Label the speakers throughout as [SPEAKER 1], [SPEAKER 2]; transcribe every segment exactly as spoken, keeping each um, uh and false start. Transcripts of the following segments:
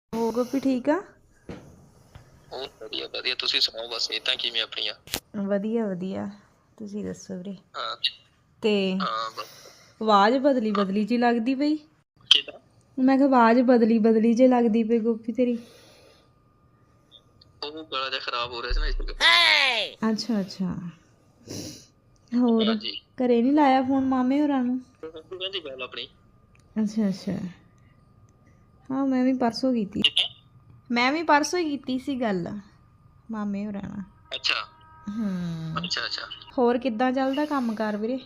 [SPEAKER 1] ਹੋ ਗੋਪੀ ਠੀਕ ਆ?
[SPEAKER 2] ਬਹੁਤ ਵਧੀਆ ਵਧੀਆ ਤੁਸੀਂ ਸੁਣਾਓ ਬਸ ਇਦਾਂ ਕਿਵੇਂ ਆਪਣੀਆਂ?
[SPEAKER 1] ਵਧੀਆ ਵਧੀਆ ਤੁਸੀਂ ਦੱਸੋ ਵੀਰੇ।
[SPEAKER 2] ਹਾਂ
[SPEAKER 1] ਤੇ
[SPEAKER 2] ਹਾਂ ਬਸ
[SPEAKER 1] ਆਵਾਜ਼ ਬਦਲੀ ਬਦਲੀ ਜੀ ਲੱਗਦੀ ਪਈ।
[SPEAKER 2] ਕਿਦਾਂ?
[SPEAKER 1] ਮੈਂ ਕਿਹਾ ਆਵਾਜ਼ ਬਦਲੀ ਬਦਲੀ ਜੇ ਲੱਗਦੀ ਪਈ ਗੋਪੀ ਤੇਰੀ।
[SPEAKER 2] ਉਹ ਗਲਾ ਜਿਹਾ ਖਰਾਬ ਹੋ ਰਿਹਾ ਸੀ ਨਾ ਇਸ ਕਰਕੇ।
[SPEAKER 1] ਅੱਛਾ ਅੱਛਾ ਹੋਰ
[SPEAKER 2] ਹਾਂਜੀ
[SPEAKER 1] ਘਰੇ ਨਹੀਂ ਲਾਇਆ ਫੋਨ ਮਾਮੇ ਹੋਰਾਂ ਨੂੰ?
[SPEAKER 2] ਕਹਿੰਦੀ ਗੱਲ ਆਪਣੀ।
[SPEAKER 1] ਅੱਛਾ ਅੱਛਾ ਹਾਂ ਮੈਂ ਵੀ ਪਰਸੋਂ ਕੀਤੀ ਮੈਂ ਵੀ ਪਰਸੋਂ ਹੀ ਕੀਤੀ ਸੀ ਗੱਲ ਮਾਮੇ ਹੋਰਾਂ ਨਾਲ।
[SPEAKER 2] ਅੱਛਾ
[SPEAKER 1] ਹੂੰ
[SPEAKER 2] ਅੱਛਾ ਅੱਛਾ
[SPEAKER 1] ਹੋਰ ਕਿੱਦਾਂ ਚੱਲਦਾ ਕੰਮ ਕਾਰ ਵੀਰੇ?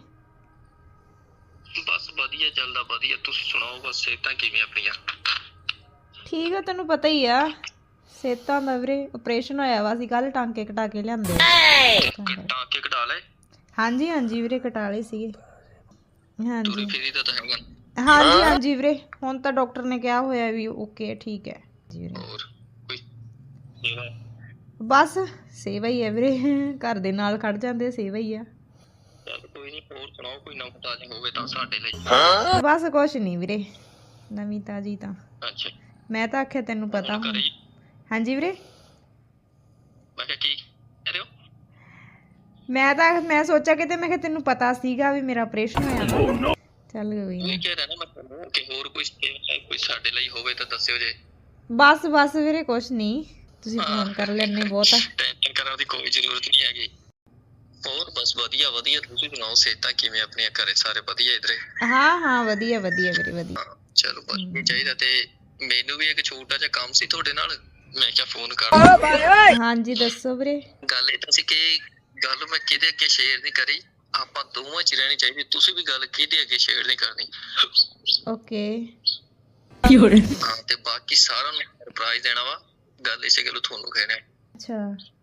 [SPEAKER 2] ਬਸ ਵਧੀਆ ਚੱਲਦਾ ਵਧੀਆ ਤੁਸੀਂ ਸੁਣਾਓ ਬਸ ਸਿਹਤਾਂ ਕਿਵੇਂ ਆਪਣੀਆਂ?
[SPEAKER 1] ਠੀਕ ਆ ਤੈਨੂੰ ਪਤਾ ਹੀ ਆ ਸਿਹਤਾਂ ਦਾ ਵੀਰੇ। ਆਪਰੇਸ਼ਨ ਹੋਇਆ ਵਾ ਸੀ ਕੱਲ ਟਾਂਕੇ ਕਟਾ ਕੇ ਲਿਆਂਦੇ।
[SPEAKER 2] ਟਾਂਕੇ ਕਢਾ ਲਏ?
[SPEAKER 1] ਹਾਂਜੀ ਹਾਂਜੀ ਵੀਰੇ ਕਟਾ ਲਏ ਸੀਗੇ।
[SPEAKER 2] ਤੁਰੀ
[SPEAKER 1] ਹਾਂਜੀ
[SPEAKER 2] ਫਿਰੀ ਦਾ ਤਾਂ ਹੈਗਾ?
[SPEAKER 1] ਹਾਂਜੀ ਹਾਂਜੀ ਵੀਰੇ ਹੁਣ ਤਾਂ ਡਾਕਟਰ ਨੇ ਕਿਹਾ ਹੋਇਆ ਵੀ ਓਕੇ ਠੀਕ ਹੈ ਜੀ ਵੀਰੇ।
[SPEAKER 2] ਹੋਰ ਕੋਈ ਸੇਵਾ?
[SPEAKER 1] ਬਸ ਸੇਵਾ ਹੀ ਹੈ ਵੀਰੇ ਘਰ ਦੇ ਨਾਲ ਖੜ ਜਾਂਦੇ ਸੇਵਾ ਹੀ ਆ।
[SPEAKER 2] ਚੱਲ ਕੋਈ ਨਹੀਂ ਹੋਰ ਸੁਣਾਓ ਕੋਈ ਨਵੀਂ ਤਾਜ਼ੀ ਹੋਵੇ ਤਾਂ ਸਾਡੇ ਲਈ।
[SPEAKER 1] ਬਸ ਕੁਛ ਨਹੀਂ ਵੀਰੇ ਨਵੀਂ ਤਾਜ਼ੀ ਤਾਂ।
[SPEAKER 2] ਅੱਛਾ
[SPEAKER 1] ਮੈਂ ਤਾਂ ਆਖਿਆ ਤੈਨੂੰ ਪਤਾ
[SPEAKER 2] ਹੁਣ
[SPEAKER 1] ਹੁਣ।
[SPEAKER 2] ਘਰੇ?
[SPEAKER 1] ਹਾਂਜੀ ਵੀਰੇ
[SPEAKER 2] ਮੈਂ ਕਿਹਾ ਕੀ ਕਹਿ ਰਹੇ ਹੋ?
[SPEAKER 1] ਮੈਂ ਤਾਂ ਮੈਂ ਸੋਚਿਆ ਕਿਤੇ ਮੈਂ ਕਿਹਾ ਤੈਨੂੰ ਪਤਾ ਸੀਗਾ ਵੀ ਮੇਰਾ ਆਪਰੇਸ਼ਨ ਹੋਇਆ ਵਾ। ਚੱਲ ਕੋਈ
[SPEAKER 2] ਉਹ
[SPEAKER 1] ਨਾ।
[SPEAKER 2] ਕਹਿ ਰਿਹਾ ਨਾ ਮੈਂ ਤੁਹਾਨੂੰ ਕਿ ਹੋਰ ਕੋਈ ਸੇਵਾ ਕੋਈ ਸਾਡੇ ਲਈ ਹੋਵੇ ਤਾਂ ਦੱਸਿਓ ਜੇ।
[SPEAKER 1] ਬਸ ਬਸ ਵੀਰੇ ਕੁਛ ਨਹੀਂ ਤੁਸੀਂ
[SPEAKER 2] ਹਾਂ
[SPEAKER 1] ਫੋਨ ਕਰ ਲੈਂਦੇ ਬਹੁਤ ਆ।
[SPEAKER 2] ਟੈਨਸ਼ਨ ਕਰਨ ਦੀ ਕੋਈ ਜ਼ਰੂਰਤ ਨਹੀਂ ਹੈਗੀ। ਹੋਰ ਬਸ ਵਧੀਆ ਵਧੀਆ ਤੁਸੀਂ ਸੁਣਾਓ ਸਿਹਤਾਂ ਕਿਵੇਂ ਆਪਣੀਆਂ ਘਰੇ ਸਾਰੇ ਵਧੀਆ ਇਧਰੇ?
[SPEAKER 1] ਹਾਂ ਹਾਂ ਵਧੀਆ ਵਧੀਆ ਵੀਰੇ ਵਧੀਆ।
[SPEAKER 2] ਹਾਂ ਚਲੋ ਵਧੀਆ ਚਾਹੀਦਾ। ਤੇ ਮੈਨੂੰ ਵੀ ਇੱਕ ਛੋਟਾ ਜਿਹਾ ਕੰਮ ਸੀ ਤੁਹਾਡੇ ਨਾਲ ਮੈਂ ਕਿਹਾ ਫੋਨ ਕਰ।
[SPEAKER 1] ਹਾਂਜੀ ਦੱਸੋ ਵੀਰੇ।
[SPEAKER 2] ਗੱਲ ਇਹ ਤਾਂ ਸੀ ਕਿ ਗੱਲ ਮੈਂ ਕਿਹਦੇ ਅੱਗੇ ਸ਼ੇਅਰ ਨਹੀਂ ਕਰੀ। ਆਪਾਂ ਦੋਵਾਂ ਚ ਰਹਿਣੀ ਚਾਹੀਦੀ। ਤੁਸੀਂ ਵੀ ਗੱਲ ਕਿਹਦੇ ਅੱਗੇ ਸ਼ੇਅਰ ਨਹੀਂ ਕਰਨੀ।
[SPEAKER 1] ਓਕੇ
[SPEAKER 2] ਹਾਂ ਤੇ ਬਾਕੀ ਸਾਰਿਆਂ ਨੂੰ ਸਰਪ੍ਰਾਈਜ਼ ਦੇਣਾ ਵਾ। ਗੱਲ ਇਸੇ ਗੱਲੋਂ ਤੁਹਾਨੂੰ ਕਹਿਣਾ।
[SPEAKER 1] ਅੱਛਾ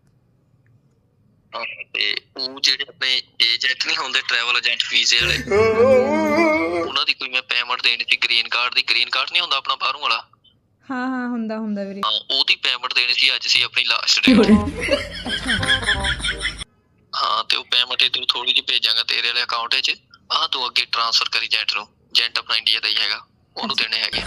[SPEAKER 2] ਹਾਂ ਤੇ ਉਹ ਜਿਹੜੇ ਆਪਣੇ ਏਜੰਟ ਨਹੀਂ ਹੁੰਦੇ ਟਰੈਵਲ ਏਜੰਟ ਵੀਜ਼ੇ ਵਾਲੇ ਉਹਨਾਂ ਦੀ ਕੋਈ ਮੈਂ ਪੇਮੈਂਟ ਦੇਣੀ ਸੀ ਗ੍ਰੀਨ ਕਾਰਡ ਦੀ। ਗ੍ਰੀਨ ਕਾਰਡ ਨਹੀਂ ਹੁੰਦਾ ਆਪਣਾ ਬਾਹਰੋਂ ਵਾਲਾ?
[SPEAKER 1] ਹਾਂ ਹਾਂ ਹੁੰਦਾ ਹੁੰਦਾ ਵੀਰੇ।
[SPEAKER 2] ਹਾਂ ਉਹਦੀ ਪੇਮੈਂਟ ਦੇਣੀ ਸੀ ਅੱਜ ਸੀ ਆਪਣੀ ਲਾਸਟ ਡੇਟ। ਹਾਂ ਤੇ ਉਹ ਪੇਮੈਂਟ ਇਧਰੋਂ ਥੋੜੀ ਜਿਹੀ ਭੇਜਾਂਗਾ ਤੇਰੇ ਵਾਲੇ ਅਕਾਊਂਟ ਵਿੱਚ। ਆਹ ਤੂੰ ਅੱਗੇ ਟ੍ਰਾਂਸਫਰ ਕਰੀ ਏਜੰਟ ਨੂੰ। ਏਜੰਟ ਆਪਣਾ ਇੰਡੀਆ ਦਾ ਹੀ ਹੈਗਾ ਉਹਨੂੰ ਦੇਣੇ ਹੈਗੇ।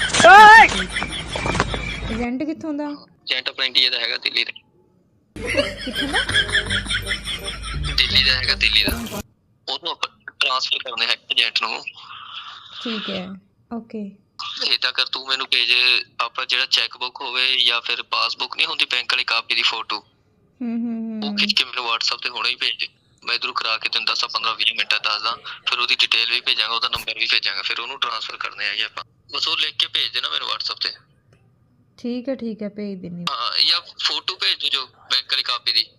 [SPEAKER 1] ਏਜੰਟ ਕਿੱਥੋਂ ਦਾ?
[SPEAKER 2] ਏਜੰਟ ਆਪਣਾ ਇੰਡੀਆ ਦਾ ਹੈਗਾ ਦਿੱਲੀ ਦਾ।
[SPEAKER 1] ਕਿੱਥੋਂ ਦਾ?
[SPEAKER 2] ਦਿੱਲੀ ਦਾ ਹੈਗਾ ਦਿੱਲੀ ਦਾ। ਉਹਨੂੰ ਆਪਾਂ ਟ੍ਰਾਂਸਫਰ ਕਰਨੇ ਹੈ ਏਜੰਟ ਨੂੰ।
[SPEAKER 1] ਠੀਕ ਹੈ ਓਕੇ।
[SPEAKER 2] ਏਦਾਂ ਕਰ ਤੂੰ ਮੈਨੂੰ ਭੇਜ ਆਪਣਾ ਜਿਹੜਾ ਚੈੱਕ ਬੁੱਕ ਹੋਵੇ ਜਾਂ ਫਿਰ ਪਾਸਬੁੱਕ ਨਹੀਂ ਹੁੰਦੀ ਬੈਂਕ ਵਾਲੀ ਕਾਪੀ ਦੀ ਫੋਟੋ
[SPEAKER 1] ਹੂੰ ਹੂੰ
[SPEAKER 2] ਉਹ ਖਿੱਚ ਕੇ ਮੈਨੂੰ ਵਟਸਐਪ ਤੇ ਹੁਣੇ ਹੀ ਭੇਜ। ਮੈਂ ਇਧਰੋਂ ਕਰਾ ਕੇ ਤੈਨੂੰ ਦਸਾਂ ਪੰਦਰਾਂ ਵੀਹ ਮਿੰਟਾਂ ਦੱਸਦਾ। ਫਿਰ ਉਹਦੀ ਡਿਟੇਲ ਵੀ ਭੇਜਾਂਗਾ ਉਹਦਾ ਨੰਬਰ ਵੀ ਭੇਜਾਂਗਾ। ਫਿਰ ਉਹਨੂੰ ਟ੍ਰਾਂਸਫਰ ਕਰਨੇ ਹੈਗੇ ਆਪਾਂ। ਬਸ ਉਹ ਲਿਖ ਕੇ ਭੇਜ ਦੇਣਾ ਮੈਨੂੰ ਵਟਸਐਪ ਤੇ।
[SPEAKER 1] ਠੀਕ ਹੈ ਠੀਕ ਹੈ ਭੇਜ ਦਿੰਨੀ।
[SPEAKER 2] ਹਾਂ ਜਾਂ ਫੋਟੋ ਭੇਜ ਦਿਓ ਬੈਂਕ ਵਾਲੀ ਕਾਪੀ ਦੀ।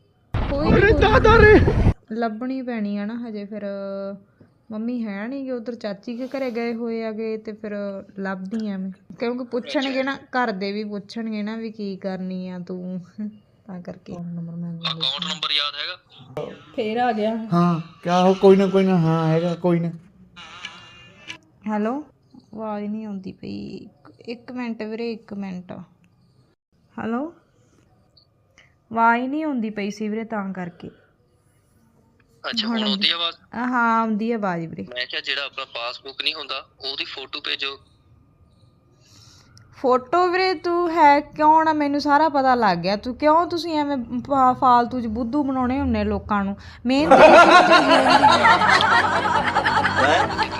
[SPEAKER 1] ਕੋਈ ਲੱਭਣੀ ਪੈਣੀ ਆ ਨਾ ਹਜੇ। ਫਿਰ ਮੰਮੀ ਹੈ ਨਹੀਂ ਗੇ ਉੱਧਰ ਚਾਚੀ ਕੇ ਘਰੇ ਗਏ ਹੋਏ ਹੈਗੇ ਤੇ ਫਿਰ ਲੱਭਦੀ ਆ ਮੈਂ ਕਿਉਂਕਿ ਪੁੱਛਣਗੇ ਨਾ ਘਰ ਦੇ ਵੀ ਪੁੱਛਣਗੇ ਨਾ ਵੀ ਕੀ ਕਰਨੀ ਆ ਤੂੰ ਤਾਂ ਕਰਕੇ।
[SPEAKER 2] ਅਕਾਊਂਟ ਨੰਬਰ ਯਾਦ ਹੈਗਾ?
[SPEAKER 1] ਫੇਰ ਆ ਗਿਆ।
[SPEAKER 3] ਹਾਂ ਕਿਆ ਹੋ ਕੋਈ ਨਾ ਕੋਈ ਨਾ ਹਾਂ ਹੈਗਾ ਕੋਈ ਨਾ।
[SPEAKER 1] ਹੈਲੋ ਆਵਾਜ਼ ਨਹੀਂ ਆਉਂਦੀ ਪਈ। ਇੱਕ ਮਿੰਟ ਵੀਰੇ ਇੱਕ ਮਿੰਟ। ਹੈਲੋ ਆਵਾਜ਼ ਨਹੀਂ ਆਉਂਦੀ ਪਈ ਸੀ ਵੀਰੇ ਤਾਂ ਕਰਕੇ।
[SPEAKER 2] ਅੱਛਾ ਹੁਣ ਆਉਂਦੀ ਆਵਾਜ਼?
[SPEAKER 1] ਹਾਂ ਆਉਂਦੀ ਆਵਾਜ਼ ਵੀਰੇ।
[SPEAKER 2] ਮੈਂ ਕਿਹਾ ਜਿਹੜਾ ਆਪਣਾ ਪਾਸਬੁੱਕ ਨਹੀਂ ਹੁੰਦਾ ਉਹਦੀ ਫੋਟੋ ਭੇਜੋ।
[SPEAKER 1] ਫੋਟੋ ਵੀਰੇ ਤੂੰ ਹੈ ਕਿਉਂ ਨਾ ਮੈਨੂੰ ਸਾਰਾ ਪਤਾ ਲੱਗ ਗਿਆ। ਤੂੰ ਕਿਉਂ ਤੁਸੀਂ ਐਵੇਂ ਫਾਲਤੂ 'ਚ ਬੁੱਧੂ ਬਣਾਉਣੇ ਹੁੰਦੇ ਲੋਕਾਂ ਨੂੰ। ਮਿਹਨਤ